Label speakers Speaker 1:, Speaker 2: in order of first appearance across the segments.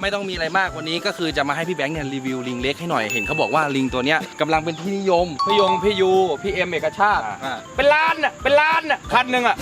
Speaker 1: ไม่ต้องมีอะไรมากวันนี้ก็คือจะมาให้พี่แบงค์เนี่ยรีวิวลิงเล็กให้หน่อยเห็นเขาบอกว่าลิงตัวเนี้ยกำลังเป็นที่นิยม
Speaker 2: พี่ยูพี่เอ็มเอกชาติเป็นล้านอ่ะคันหนึ่งอ่ะ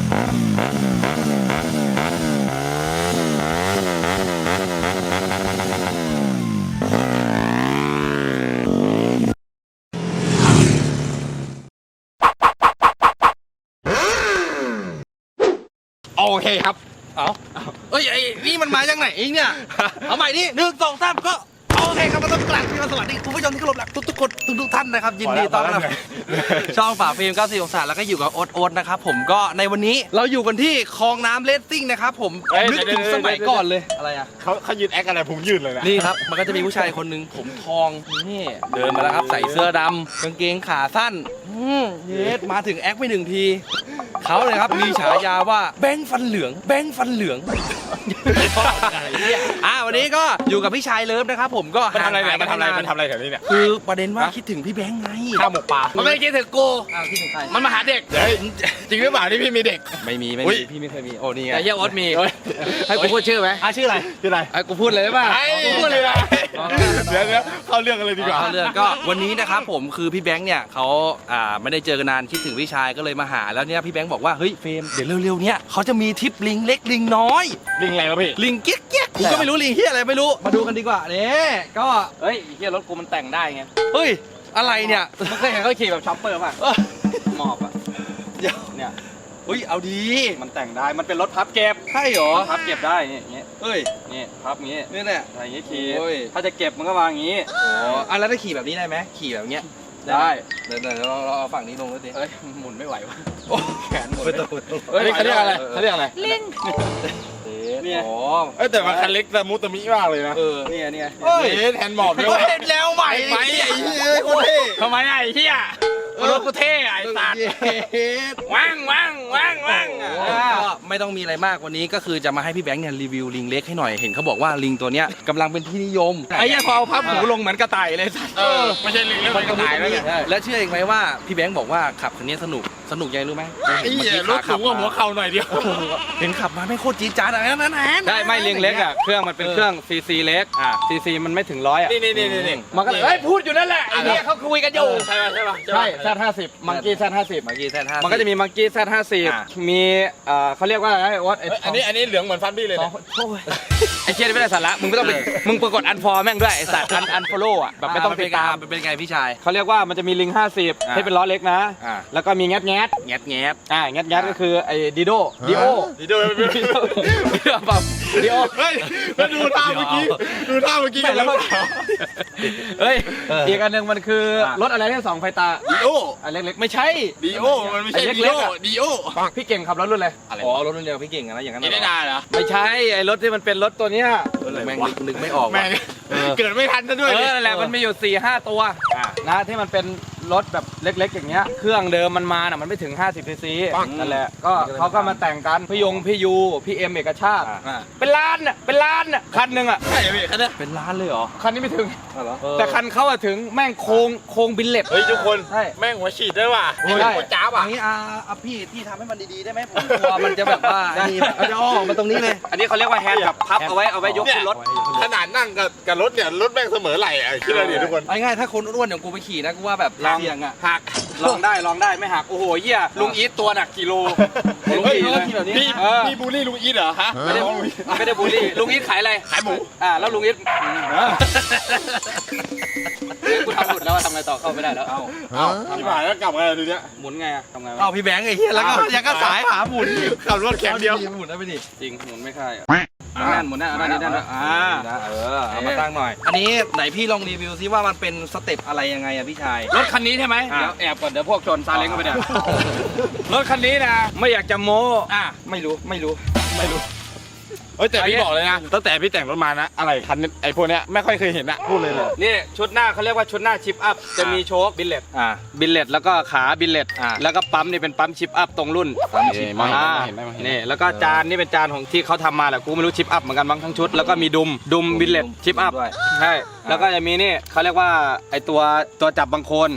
Speaker 2: โอเคครับ
Speaker 1: เอ้ยไอ้นี่มันมาจากไหนเองเนี่ยเอาใหม่ดิ1 2 3ก็โอเคครับมาต้องกลับที่มาสวัสดีคุณผู้ชมที่เคารพรักทุกคนทุกท่านนะครับยินดีต้อนรับช่องฝ่าฟิล์ม94องศาแล้วก็อยู่กับโอ๊ตนะครับผมก็ในวันนี้เราอยู่กันที่คลองน้ำเลสซิ่งนะครับผมนึกถึงสมัยก่อนเลยอะไรอ่ะ
Speaker 3: เขายืนแอคอะไรผมยืนเลยนะ
Speaker 1: นี่ครับมันก็จะมีผู้ชายคนหนึ่งผมทองนี่เดินมาแล้วครับใส่เสื้อดำกางเกงขาสั้นเยสมาถึงแอคไป1 ทีเขาเลยครับมีฉายาว่าแบงค์ฟันเหลืองวันนี้ก็อยู่กับพี่ชายเลิฟนะครับผมก็
Speaker 3: มันทำอะไรแถวนี้เนี่ย
Speaker 1: คือประเด็นว่าคิดถึงพี่แบงค์ไง
Speaker 3: ข้าวหมกปลา
Speaker 1: มันไม่ได้คิดถึงกูคิดถึงใคร
Speaker 3: มันมาหาเด็กจริงหรือเปล่าที่พี่มีเด็ก
Speaker 1: ไม่มีพี่ไม่เคยมีโอ้นี่ไง
Speaker 2: แต่เฮียโอ๊ตมีให้กูพูดชื่อไหม
Speaker 1: ชื่ออะไร
Speaker 2: ให้กูพูดเลยได้ป่ะ
Speaker 3: กูพูดเลยนะเดี๋ยวเข้าเรื่องกันเลยดีกว่า
Speaker 1: เข้าเรื่องก็วันนี้นะครับผมคือพี่แบงค์เนี่ยเขาไม่ได้เจอกันนานคิดถึงพี่ชายก็เลยมาหาแล้วเนี่ยพี่แบงค์บอกว่าเฮ้ยเฟรมเดี๋ยวเร็วๆเนี่ยเขาจะมีทริปลิงเล็กลิงน้อย
Speaker 3: ลิงอะไรวะพี่
Speaker 1: ลิงเกี้ยกูก็ไม่รู้ลิงเฮียอะไรไม่รู้มาดูกันดีกว่าเนี่ยก็
Speaker 2: เฮ้ยเฮียรถกูมันแต่งได้ไง
Speaker 1: เฮ้ยอะไรเนี่ย
Speaker 2: มึงเคยเห็นเขาขี่แบบช็อปเปอร์ป่ะหมอบอ่ะเนี่ย
Speaker 1: เฮ้ยเอาดี
Speaker 2: มันแต่งได้มันเป็นรถพับเก็บ
Speaker 1: ใช่หรอ
Speaker 2: พับเก็บได้อย่างเงี้ย
Speaker 1: เฮ้ย
Speaker 2: นี่พับงี้
Speaker 1: นี่แหละ
Speaker 2: อะไรอย่างงี้ขี่ถ้าจะเก็บมันก็วางอย่างงี้
Speaker 1: แล้วได้ขี่แบบนี้ได้ไหมขี่แบบเนี้ย
Speaker 2: ได้
Speaker 1: เดี๋ยวเราเอาฝั่งนี้ลงแล้วดิ
Speaker 2: เอ้ยหมุนไม่ไหววะแขนหมุน
Speaker 3: เฮ้ยเขาเรียกอะไร
Speaker 4: ลิง
Speaker 2: เนี่ย
Speaker 3: แต่ว่าคันเล็กแต่มุตมิมากเลยนะ
Speaker 2: เนี่ย
Speaker 3: แทนหมอบด้วย
Speaker 1: เห็นแล้วใหม่
Speaker 3: ไอ้เหี้ย
Speaker 2: ทำไมไอ้เหี้ยรถกูเท่ไอ้สัตว์ว่าง
Speaker 1: ไม่ต้องมีอะไรมากวันนี้ก็คือจะมาให้พี่แบงค์เนี่ยรีวิวลิงเล็กให้หน่อยเห็นเขาบอกว่าลิงตัวเนี้ยกำลังเป็นที่นิยม
Speaker 2: ไอ้เหี้ยพอเอาพับหูลงเหมือนกระต่ายเลยสัตว์
Speaker 3: ไม่ใช่ลิงแล้วมันกระต่ายแล้วเนี่ย
Speaker 1: แล้วเชื่อเองไหมว่าพี่แบงค์บอกว่าขับคันนี้สนุกยังรู้ไหม
Speaker 3: ไอ้เหี้ยรถสูงกว่าหัวเข่าหน่อยเดียว
Speaker 1: เห็นขับมาไม่โคตรจี๊ดจ๊าดอะไรนั่น
Speaker 2: ได้ไม่ลิงเล็กอ่ะเครื่องมันเป็นเครื่องซีเล็กซีมันไม่ถึง100อ่ะ
Speaker 3: นี่
Speaker 2: มันก็เลยพูดอยู่นั่นแหละไอ้เนี่ยเขาคุยกันอยู่
Speaker 3: ใช่
Speaker 2: Z50มังกี้Z50มันก็จะมีมังกี้Z50มีเขาเรียกว่าอะไรวอต
Speaker 3: อันนี้เหลืองเหมือนฟันบี้เลย
Speaker 2: ไอ้เชี่ยไม่ได้สาระมึงไม่ต้องไปมึงกดอันฟอร์แม่งด้วยไอ้สัตว์อันฟอลโล่อะแบบไม่ต้องติดตาม
Speaker 1: เป็นไงพี่ชาย
Speaker 2: เขาเรียกว่ามันจะมีลิง50ให้เป็นล้อเล็กนะแล้วก็มีแงดก็คือไอ้ดิโอแบบดิโอ
Speaker 3: เฮ้ยดูท่าเมื่อกี้กันแล้ว
Speaker 2: เฮ้ยอีกอันหนึ่งมันคือรถอะไรที่2 ไฟตา
Speaker 3: ดิโอ
Speaker 2: อันเล็กๆไม่ใช่
Speaker 3: ดิโอมันไม่ใช่ดิโอ
Speaker 2: พี่เก่งขับรถรุ่นอะไร
Speaker 1: รถรุ่นเดียวพี่เก่งนะอย่างนั้น
Speaker 3: ไม่ได้เหรอ
Speaker 2: ไม่ใช่ไอ้รถที่มันเป็นรถตัวเนี้ย
Speaker 1: แม่งนึกไม่ออก
Speaker 3: เกิดไม่ทันซะด้วย
Speaker 2: นั่นแหละมันมีอยู่4-5 ตัวนะที่มันเป็นรถแบบเล็กๆอย่างเงี้ยเครื่องเดิมมันมาน่ะมันไม่ถึง50 ซีซีนั่นแหละก็เขาก็มาแต่งกันพี่ยูพี่เอ็มเอกชาติเป็นล้านอ่ะคันหนึ่งอ่ะ
Speaker 3: ใช่พี่คันนี้
Speaker 1: เป็นล้านเลยเหรอ
Speaker 2: คันนี้ไม่ถึงแต่คันเขาอะถึงแม่งโค้งบิลเล็ต
Speaker 3: เฮ้ยทุกคนแม่งหัวฉีดด้วยว่ะหัวจ้าบ
Speaker 1: อ่ะนี้พี่ทำให้มันดีๆได้ไหมผมกลัวมันจะแบบว่านี่แบบจะอ้อมาตรงนี้เลย
Speaker 2: อันนี้เขาเรียกว่าแฮนด์แบบพับเอาไว้ยกขึ้นรถ
Speaker 3: ขนาดนั่งกับรถเนี่ยรถแม่งเสมอไหล่อ่ะคิดอะไรเนี่ยทุกคน
Speaker 1: ง่ายๆถ้าคนอ้วนอย่างกูไปขี่นะกูว่าแบบเสี่ยงอ่ะ
Speaker 2: หักลองได้ไม่หักโอ้โหเหี้ยลุงอีทตัวหนักกิโล
Speaker 3: ลุงอีทแบบนี้นี่บูลลี่ลุงอีทเหรอฮะ
Speaker 2: ไม่ได้บูลลี่ลุงอีทขายอะไร
Speaker 3: ขายหมู
Speaker 2: แล้วลุงอีทกูทำหลุดแล้วทำอะไรต่อเข้าไม่ได้แล้ว
Speaker 3: ที่ผ่านแล้วกลับมาดูเนี้ย
Speaker 2: หมุนไงทำไง
Speaker 1: พี่แบงค์ไอ้เหี้ยแล้วก็ยังก็สายหาหมุน
Speaker 3: ขับรถแข่งเดียว
Speaker 1: หมุนได้ไปดิ
Speaker 2: จริงหมุนไม่ค่อยหมุนแน่เอา
Speaker 1: มาตั้งหน่อยอันนี้ไหนพี่ลองรีวิวซิว่ามันเป็นสเต็ปอะไรยังไงอะพี่ชาย
Speaker 2: รถคันนี้ใช่ไหมเดี๋ยวแอบก่อนเดี๋ยวพวกชนซาเล้งก็ไปเนี่ยรถคันนี้นะไม่อยากจะโม้ไม่รู้
Speaker 3: แต่พี่บอกเลยนะตั้งแต่พี่แต่งรถมานะอะไรคันไอ้พวกเนี้ยไม่ค่อยเคยเห็นอะพูดเลย
Speaker 2: นี่ชุดหน้าเขาเรียกว่าชุดหน้าชิปอัพจะมีโชคบิลเลตแล้วก็ขาบิลเลตแล้วก็ปั๊มนี่เป็นปั๊มชิปอัพตรงรุ่นนี่แล้วก็จานนี่เป็นจานของที่เขาทำมาแหละกูไม่รู้ชิปอัพเหมือนกันบางทั้งชุดแล้วก็มีดุมบิลเลตชิปอัพใช่แล้วก็จะมีนี่เขาเรียกว่าไอตัวจับบางโคน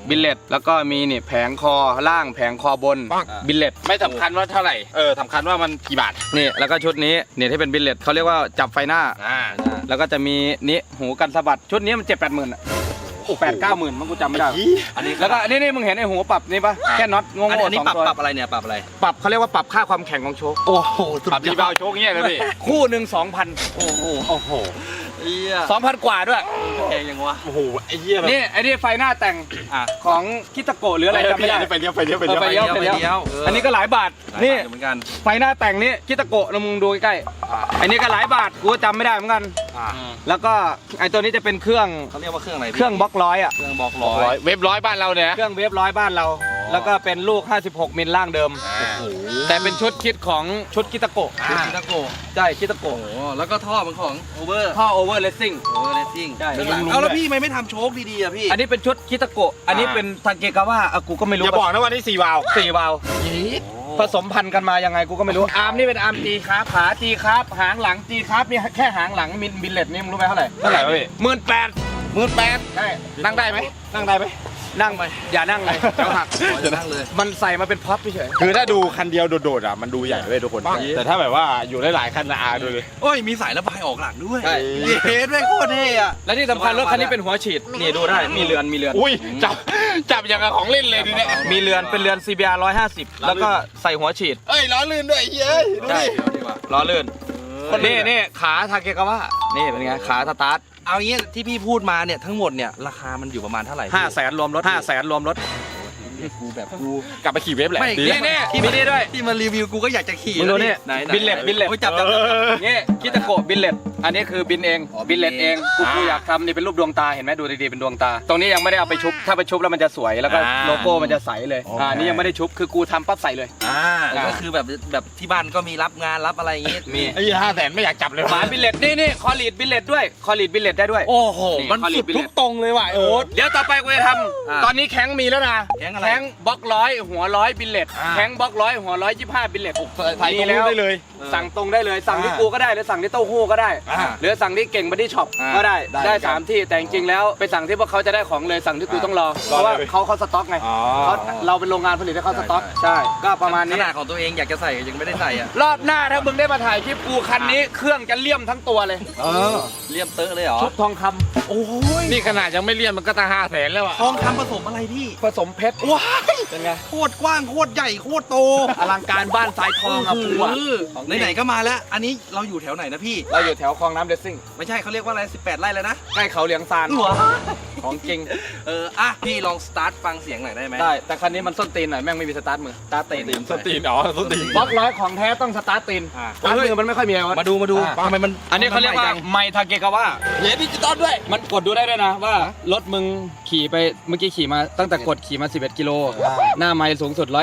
Speaker 2: บิลเลตแล้วก็มีนี่แผงคอล่างแผงคอบนบิลเลต
Speaker 3: ไม่สำคัญว่าเท่าไหร่สำคัญว่ามันกี่บาท
Speaker 2: นี่แล้วก็ชุดนี้เนี่ยที่เป็นบิลเลตเขาเรียกว่าจับไฟหน้าแล้วก็จะมีนี่หูกันสะบัดชุดนี้มัน7-8 หมื่น8-9 หมื่นมันกูจำไม่ได้อันนี้แล้วก็นี่มึงเห็นไอ้หัวปรับนี่ปะแค่น็อตงงๆ
Speaker 1: อันนี้
Speaker 2: 2 ตัว
Speaker 1: ปรับอะไรเนี่ยปรับอะไร
Speaker 2: ปรับเขาเรียกว่าปรับค่าความแข็งของโชค
Speaker 1: โอ้โหสุด
Speaker 3: ปรับ
Speaker 1: ย
Speaker 3: ดี
Speaker 1: อด
Speaker 3: เบาโชคเงี้ยเลยพี่
Speaker 2: คู่หนึ่ง2,000
Speaker 1: โอ้โห
Speaker 3: โอ้โห
Speaker 1: เหี้ย
Speaker 2: 2,000 กว่าด้วย
Speaker 1: แพงยังวะ
Speaker 3: โอ้โหไอ้เหี้ยแบบ
Speaker 2: นี่ไอ้นี่ไฟหน้าแต่ง
Speaker 1: อ่ะ
Speaker 2: ของคิตาโกะหรืออะไรจำไม่ได้
Speaker 3: ไปเลี้ยวไปเลี้ยวไป
Speaker 2: เออ
Speaker 3: เลี้ยว
Speaker 2: ไปเลี้ยว อันนี้ก็หลายบาท
Speaker 1: นี่
Speaker 2: นี่
Speaker 1: เหมือนกัน
Speaker 2: ไฟหน้าแต่งนี่คิตาโกะนะมึงดูใกล้ๆอันนี้ก็หลายบาทกูก็จำไม่ได้เหมือนกัน แล้วก็ไอ้ตัวนี้จะเป็นเครื่อง
Speaker 1: เขาเรียกว่าเครื่องอะไร
Speaker 2: เครื่องบล็อกร้อยอ่ะ
Speaker 1: เครื่องบล็อก
Speaker 3: ร้
Speaker 1: ร้
Speaker 3: อ
Speaker 1: อย ย
Speaker 3: เว็บร้อยบ้านเราเนี่ย
Speaker 2: เครื่องเวฟร้อยบ้านเรา แล้วก็เป็นลูก 56 มิลล่างเดิม แต่เป็นชุดคิดของชุดคิตาโกะ
Speaker 1: คิตาโกะ
Speaker 2: ใช่คิตา
Speaker 1: โอ้
Speaker 2: โกะ
Speaker 1: โหแล้วก็ท่อมันของโอเวอร์
Speaker 2: ท่อโอเวอร์เลสซิ่ง
Speaker 1: โอเวอร์เลสซิ่ง
Speaker 2: ใช่
Speaker 1: เอาแล้วพี่ไม่ทำโชคดีๆอ่ะพี่
Speaker 2: อันนี้เป็นชุดคิตาโกะอันนี้เป็นทาเกกาวะกูก็ไม่รู้
Speaker 3: อย่าบอกนะว่านี่4 วาล์ว
Speaker 2: 4 วาล์วผสมพันธุ์กันมายังไงกูก็ไม่รู้ อาร์มนี่เป็นอาร์มจีครับขาจีครับหางหลังจีครับนี่แค่หางหลังบิลเลตนี่มึงรู้ไหมเท่าไหร่
Speaker 3: เท่าไหร่วะพี่
Speaker 2: 18,000ใช่
Speaker 3: นั่งได้ไหมนั่งได้ไหม
Speaker 2: นั่งไปอย่านั่งเลยเดี๋ยวหัก
Speaker 1: จะนั่งเลย
Speaker 2: มันใส่มาเป็นพ็อปเฉย
Speaker 3: คือถ้าดูคันเดียวโดดๆอ่ะมันดูใหญ่เว้ยทุกคนแต่ถ้าแบบว่าอยู่หลายๆคันนะดูเลย
Speaker 1: โอ้ยมีสายระบายออกหลังด้วย
Speaker 2: ใช่
Speaker 1: เฮ็ดไม่โคตรเท่อะ
Speaker 2: และที่สำคัญรถคันนี้เป็นหัวฉีดนี่ดูได้มีเรือน
Speaker 3: อุ้ยจับอย่างกับของเล่นเลยดิเนี่ย
Speaker 2: มีเรือนเป็นเรือน CBR 150 แล้วก็ใส่หัวฉีด
Speaker 3: เอ้ยล้อลื่นด้วยเฮ้ยดู
Speaker 2: ใช่
Speaker 3: ดิ
Speaker 2: ล้อเลื่อนนี่ขาทาเกกาวะนี่เป็นไงขาสตาร์ท
Speaker 1: เอางี้ที่พี่พูดมาเนี่ยทั้งหมดเนี่ยราคามันอยู่ประมาณเท่าไหร่
Speaker 2: 500,000รวมรถ500,000รวมรถ
Speaker 1: กูแบบกู
Speaker 3: กลับไปขี่เว็บแหละ
Speaker 1: ไม่
Speaker 3: ดี
Speaker 2: นี่มีนี่ด้วย
Speaker 1: ที่มารีวิวกูก็อยากจะขี่
Speaker 2: มึงดูนี่
Speaker 1: ไหน
Speaker 2: บิลเลต
Speaker 1: โอ้ยจับ
Speaker 2: นี่คิตาโกะบิลเลตอันนี้คือบินเองบิลเลตเองกูอยากทำนี่เป็นรูปดวงตาเห็นไหมดูดีๆเป็นดวงตา ตรงนี้ยังไม่ได้เอาไปชุบถ้าไปชุบแล้วมันจะสวยแล้วก็โลโก้มันจะใสเลยนี่ยังไม่ได้ชุบคือกูทำปั๊บใส่เลย
Speaker 1: ก็คือแบบที่บ้านก็มีรับงานรับอะไรอย่างงี้
Speaker 2: มี
Speaker 3: ไอ้500,000ไม่อยากจับเลย
Speaker 2: หมาบิลเลตนี่คอลีดบิลเลตด้วยคอลีดบิลเลตได้ด้วย
Speaker 1: โอ้โห
Speaker 2: นี่
Speaker 1: มัน
Speaker 2: คอลี
Speaker 1: สุ
Speaker 2: ด
Speaker 1: ด
Speaker 2: บิล
Speaker 1: ทุ
Speaker 2: เล
Speaker 1: ก
Speaker 2: ต
Speaker 1: ตรงเลยว่ะโอ๊ต
Speaker 2: เดี๋ยวต่อไปกูจะทำตอนนี้แข้งมีแล้วนะ
Speaker 1: แข้งอะไร
Speaker 2: แข้งบล็อกร้อยหัวร้อยบิลเลตแข้งบล็อกร้อยหัว125บิลเลต
Speaker 3: ใส่ตรงนู้นได้เลย
Speaker 2: สั่งตรงได้เลยสั่งที่กูก็ได้หรือสั่งที่เต้าหู้ก็ได้หรือสั่งที่เก่งบัดดี้ช็อปก็ได้3 ที่แต่จริงๆแล้วไปสั่งที่พวกเขาจะได้ของเลยสั่งที่กูต้องรอเพราะว่าเขาสต็อกไงเราเป็นโรงงานผลิตให้เขาสต็อกใช่ก็ประมาณ
Speaker 1: ข
Speaker 2: นี้
Speaker 1: นาดของตัวเองอยากจะใส่ยังไม่ได้ใส่อ่ะ
Speaker 2: รอบหน้าถ้ามึงได้มาถ่ายคลิปกูคันนี้เครื่องจะเลี่ยมทั้งตัวเลย
Speaker 1: เลี่ยมเตอะเลยเหรอ
Speaker 2: ชุบทองคำ
Speaker 1: โอ้ย
Speaker 3: นี่ขนาดยังไม่เลี่ยนมันก็ตั้ง500,000แล้วอ่ะ
Speaker 1: ทองคำผสมอะไรพี่
Speaker 2: ผสมเพชร
Speaker 1: ว้าย
Speaker 2: เป็นไง
Speaker 1: โคตรกว้างโคตรใหญ่โคตรโต
Speaker 2: อลังการบ้านทรายทองอะกูอะ
Speaker 1: ไหนๆก็มาแล้ว อันนี้เราอยู่แถวไหนนะพี่
Speaker 2: เราอยู่แถวคลองน้ำเดซซิ่ง
Speaker 1: ไม่ใช่เขาเรียกว่าอะไร18 ไร่แล้วนะ
Speaker 2: ใกล้เขาเหลียงซาน
Speaker 1: หัว
Speaker 2: ของจริง
Speaker 1: อ่ะพี่ลองสตาร์ทฟังเสียงหน่อยได้ไหม
Speaker 2: ได้แต่คันนี้มันส้นตีนหน่อยแม่งไม่มีสตาร์ทมือสตาร์ทตีน
Speaker 3: สตีนสตีน
Speaker 2: บล็อกร้อยของแท้ต้องสตาร์ทตีนสตาร์ทมือมันไม่ค่อยมีอะไรวะ
Speaker 1: มาดูทำไมมัน
Speaker 2: อันนี้เขาเรียกว่าไมทาเกกาวะ
Speaker 3: เฮ้ยดิจิตอลด้วย
Speaker 2: มันกดดูได้ด้วยนะว่ารถมึงขี่ไปเมื่อกี้ขี่มาตั้งแต่กดขี่มา11 กิโลหน้าไมล์สูงสุด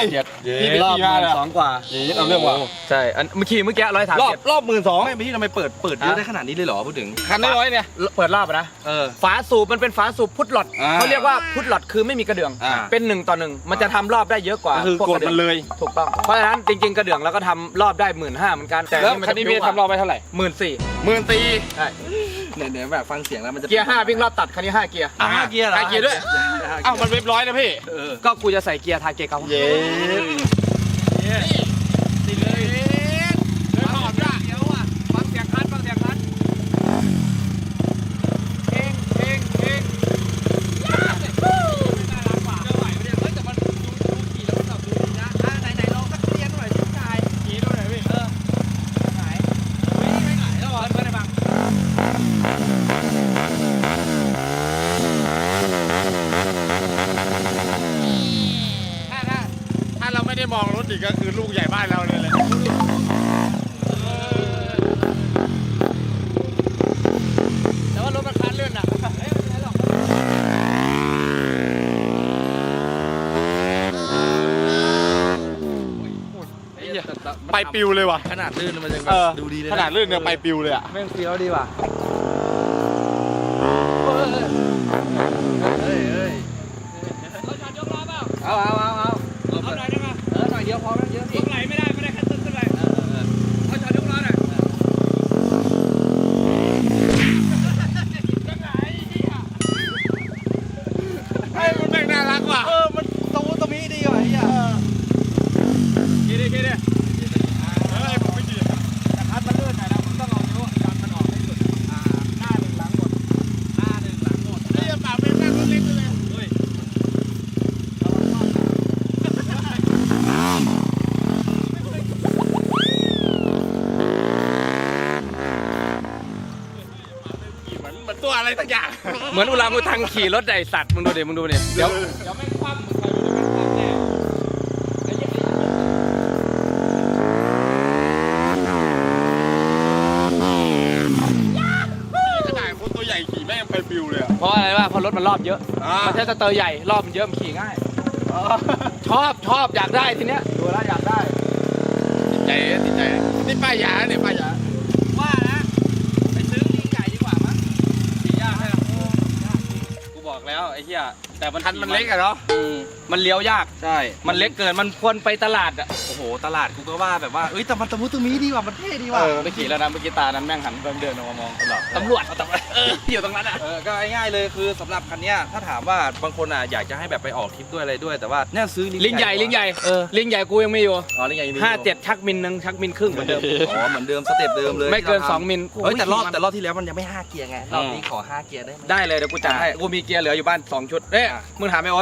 Speaker 2: 137
Speaker 3: พี่ไป
Speaker 2: รอบ
Speaker 3: ขี่มาแล้ว
Speaker 2: 12 กว่า
Speaker 3: เอาเรื่องว่ะ
Speaker 2: ใช่อันเมื่อกี้130
Speaker 1: รอบ12ไม่พี่ทำไมเปิดเยอะได้ขนาดนี้เลยเหรอพูดถึง
Speaker 3: คันน้อยเนี่ย
Speaker 2: เปิดรอบอะนะ ฝาสูบมันเป็นฝาสูบพุทหลอด
Speaker 3: อ่า
Speaker 2: เขาเรียกว่าพุทหลอดคือไม่มีกระเดื่อง
Speaker 3: อ่า
Speaker 2: เป็น1 ต่อ 1มันจะทำรอบได้เยอะกว่า
Speaker 3: ก็คือกดมันเลย
Speaker 2: ถูกต้องเพราะฉะนั้นจริงๆกระเดื่องเราก็ทำรอบได้15,000เหมือนกันแต่
Speaker 3: แล้วคันนี้พี่ทำรอบไปเท่าไหร่
Speaker 2: 14,000ใช่
Speaker 1: เนี่ยแบบฟังเสียงแล้วมันจะ
Speaker 2: เกียร์5วิ่งรอบตัดคันนี้5 เกียร์
Speaker 1: 5 เกียร์เหรอ
Speaker 3: 5 เกียร์ด้วย เอ้ามันเว็บร้อยนะพี่
Speaker 2: ก็กูจะใส่เกียร์ทาเกะเขา
Speaker 3: เย้ติดเลยหอมจ้ะ
Speaker 2: เดี๋ยวอ่ะฟังเสียงคันเอง
Speaker 1: ไหนลองสักเรียนหน่อยสิชาย
Speaker 3: ขี่ดูหน่อยพี่ ถ้าเราไม่ได้มองรถอีกก็คือลูกใหญ่บ้านเราเลย
Speaker 2: แต่ว่ารถมันคันเลื่อนอ่ะไม่เป็นไรหรอก
Speaker 3: ไปปิวเลยว่ะ
Speaker 1: ขนาดลื่นมันยัง
Speaker 3: เออ
Speaker 1: ดูดีเลย
Speaker 3: ขนาดลื่นเนี่ยไปปิวเลยอ่ะ
Speaker 2: แม่งเฟี้ยวดีว่ะ
Speaker 1: เฮ้ย
Speaker 2: รถจอดยกล้อเปล่า
Speaker 1: เอา
Speaker 2: เอาหน่อยได้ไหม
Speaker 1: หน่อยเดียวพอไม่เยอะ
Speaker 2: ยกไหลไม่ได้แค่ขึ้นไหลเอาจอดยกล้อหน่อย
Speaker 3: ไอ้มันแม่งหน้าตัวอะไรสักอย่าง
Speaker 2: เหมือนอุลังอุทังขี่รถไอ้สัตว์มึงดูดิเดี๋ยวไม่คว่ำมึงคอยดูเดี๋ยวไม่คว่ำแน่
Speaker 3: ขนาดคนตัวใหญ่ขี่แม่งไปปิวเลย
Speaker 2: เพราะอะไรวะเพราะรถมันรอบเยอะมันใช้สเตอร์ใหญ่รอบมันเยอะมันขี่ง่ายชอบอยากได้ทีเนี้ยดูแล้วอยากได้
Speaker 3: ติดใจนี่ป้ายยาเนี่ยป้ายยา
Speaker 2: ว่านะไปซื้อลิงใหญ่ดีกว่ามั้งขี่ยากใช่ไหมกูบอกแล้วไอ้เหี้ยแต่มัน
Speaker 3: คันมันเล็กอะเนาะ
Speaker 2: มันเลี้ยวยาก
Speaker 1: ใช่
Speaker 2: มันเล็กเกินมันควรไปตลาดอ่ะ
Speaker 1: โอ้โหตลาดกูก็ว่าแบบว่าเอ้ยแต่มันตะมุตะมีดีว่ะมันเท่ดีว่ะ
Speaker 2: ไปขี่แล้วนะเมื่อกี้ตานั้นแม่งหันเดินออกมามองตำรวจอยู่ตรงนั้นอ่ะ
Speaker 1: ก็ง่ายๆเลยคือสำหรับคันเนี้ยถ้าถามว่าบางคนอ่ะอยากจะให้แบบไปออกทริปด้วยอะไรด้วยแต่ว่าเนี่ยซื้อ
Speaker 2: ลิงใหญ่ลิงใหญ่ลิงใหญ่กูยังไม่อยู่
Speaker 1: อ๋อลิงใหญ่มี
Speaker 2: 57ชักมิลนึงชักมิลครึ่งเหมือนเดิม
Speaker 1: อ๋อเหมือนเดิมสเต็ปเดิมเลย
Speaker 2: ไม่เกิน2มิล
Speaker 1: เฮ้ยแต่รอบที่แล้วมันยังไม่5เกียร์ไงรอบนี้ขอ5เกียร์ได้ไหม
Speaker 2: ได้เลยเดี๋ยวกูจัดให้กูมีเกียร์เหลืออยู่บ้าน2ชุดเอ๊ะมึงถามไอ้โอ๊ต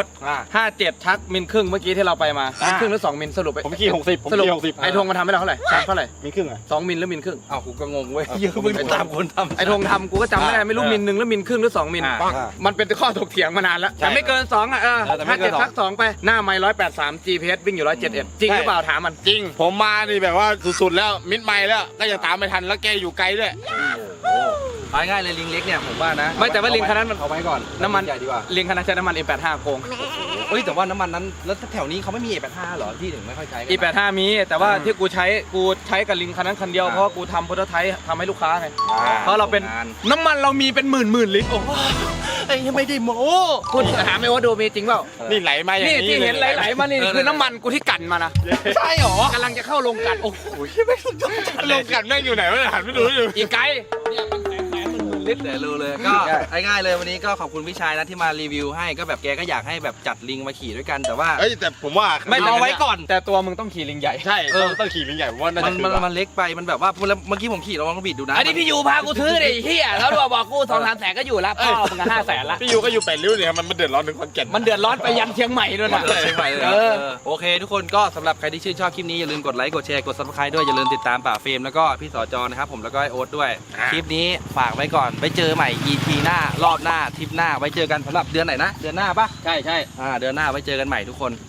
Speaker 2: 57ชักมิลครึ่งเมื่อกี้ที่เราไปมามิลครึ่งหรือ2มิลสรุป
Speaker 3: ผมขี่60ผม
Speaker 2: สรุป
Speaker 3: ขี่60
Speaker 2: ไอ้ธงมันทำให้เราเท่าไหร่ชักเท่าไหร่
Speaker 3: มีครึ่งอะ
Speaker 2: 2มิลหรือมิลครึ่ง
Speaker 1: อ้าวกูก็งงเว้ยเยอะมึงตามคนทำ
Speaker 2: ไอ้ธงทำกูก็จำไม่ได้ไม่รู้มิลหนึ่งหรือมิลครึ่งหรือ2มิลมันเป็นข้อถกเถียงมานานแล้วแต่ไม่เกิน2อ่ะ57ชัก2ไปหน้าไมล์183 GPS วิ่งอยู่171จริงหรือเปล่าถามมันจริง
Speaker 3: ผมมานี่แบบว่าสุดๆแล้วมิดไมล์แล้วก็ยังตามไม่ทันแล้วแกอยู่ไกลด้วย
Speaker 1: เอาง่ายๆเลยลิงเล็กเนี่ยผมว่านะ
Speaker 2: ไม่แต่ว่าลิงคันนั้นมัน
Speaker 1: เอาไว้ก่อน
Speaker 2: น้ำมัน
Speaker 1: ใหญ่ดีกว่า
Speaker 2: ลิงคันนั้นใช้น้ำมัน E85 โกง
Speaker 1: เอ้ยแต่ว่าน้ำมันนั้นแล้วแถวนี้เขาไม่มี A85 หรอที่ถึงไม่ค่อยใช้กัน
Speaker 2: E85 มีแต่ว่าที่กูใช้กับลิงคันนั้นคันเดียวเพราะว่ากูทำโปรโตไทป์ทำให้ลูกค้าไงเพราะเราเป็นน้ำมันเรามีเป็นหมื่นลิตรโอ้
Speaker 1: ไอ้ยังไม่ได้โม้
Speaker 2: คุณถามไม่ว่าดูมีจริงเปล่า
Speaker 3: นี่ไหลมาอย่าง
Speaker 2: นี่
Speaker 3: นี้
Speaker 2: ที่เห็นไหลๆมานี่คือน้ำมันกูที่กันมานะ
Speaker 1: ใช่หรอก
Speaker 2: ำลังจะเข้าโรงกลันโอ้โห
Speaker 1: ไม่สุดยอดจัด
Speaker 3: ล
Speaker 1: เลย
Speaker 3: งกันแม่งอยู่ไหนวะหันไม่รู้อยู่
Speaker 2: อีกไกลเนี่ยเป็นแสนหมื่นลิตร
Speaker 1: เดี๋ยวรู้เลยก็ง่ายๆเลยวันนี้ก็ขอบคุณพี่ชายนะที่มารีวิวให้ก็แบบแกก็อยากให้แบบจัดลิงมาขี่ด้วยกันแต่ว่า
Speaker 3: เอ้ยแต่ผมว่า
Speaker 2: ไม่เอาไว้ก่อน แต่ตัวมึงต้องขี่ลิงใหญ่
Speaker 3: ใช่ต้องขี่ลิงใหญ่ผมว่าน่าจะ
Speaker 1: มันเล็กไปมันแบบว่าเมื่อกี้ผมขี่ลองบิดดูนะ
Speaker 2: อันนี้พี่ยูพากูซื้อดิเฮียแล้วดูบอกกู2-3 แสนก็อยู่แล้วพ่อมึง5 แสนละ
Speaker 3: พี่ยูก็อยู่8ริ้วเนี่ยมันเดือดร้อนถึงขอนแก่น
Speaker 2: มันเดือดร้อนไปยันเชียงใหม่ด้วยนะ
Speaker 1: เชียงใหม่เลยโอเคทุกคนก็สำหรับใครที่ชื่นชอบคลิปนี้อย่าลืมกดไลค์กดแชร์กด Subscribe ด้วยอย่าลืมติดตามป่าเฟรมแล้วก็พี่สจนะครับผมแล้วก็ไอโอ๊ตด้วยคลิปนี้ฝากไว้ก่อนไปเจอใหม่ EP หน้ารอบหน้าทริปหน้าไว้เจอกันสำหรับเดือนไหนนะเดือนหน้าปะ
Speaker 2: ใช่
Speaker 1: เดือนหน้าไว้เจอกันใหม่ทุกคน